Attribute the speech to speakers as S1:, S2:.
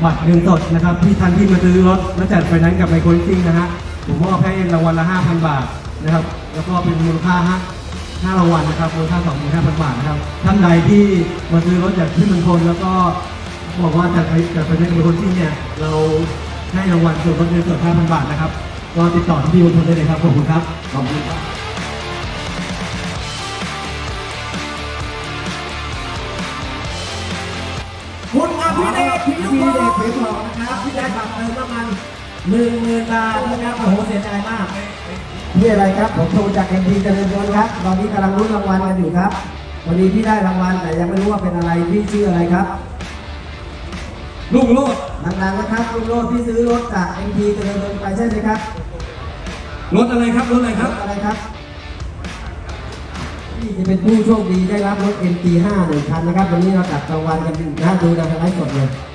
S1: บัตรเงินสดนะครับที่ท่านที่มาซื้อรถและจัดไฟแนนซ์กับไมโครลิสซิ่งนะฮะผมมอบให้รางวัลละ 5,000 บาทนะครับแล้วก็เป็นมูลค่า5รางวัลนะครับมูลค่า 25,000 บาทนะครับท่านใดที่มาซื้อรถจากที่เมืองพลแล้วก็บอกว่าจัดไฟแนนซ์กับไมโครลิสซิ่งเนี่ยเราให้รางวัลส่วนลดเงินสด 5,000 บาทนะครับก็ติดต่อที่เมืองพลได้เลยครับขอบคุณครับขอบคุณครับ
S2: คุณอภิเดชพิยุทธ์ผิวทองนะครับที่ได้บัตรเติมน้ำมัน10,000 บาทนะครับโอ้โหเสียใจมากพี่อะไรครับผมโทรจากMTเจริญยนต์ครับตอนนี้กำลังลุ้นรางวัลกันอยู่ครับวันนี้พี่ได้รางวัลแต่ยังไม่รู้ว่าเป็นอะไรพี่ชื่ออะไรครับลุงโลดดังๆนะครับลุงโลดที่ซื้อรถจากMTเจริญยนต์ไปใช่ไหมครับรถอะไรครับรถอะไรครับอะไรครับที่จะเป็นผู้โชคดีได้รับรถMT5 1 คันนะครับวันนี้เราจัดรางวัลกันอยู่นะดูในไลฟ์สดเลย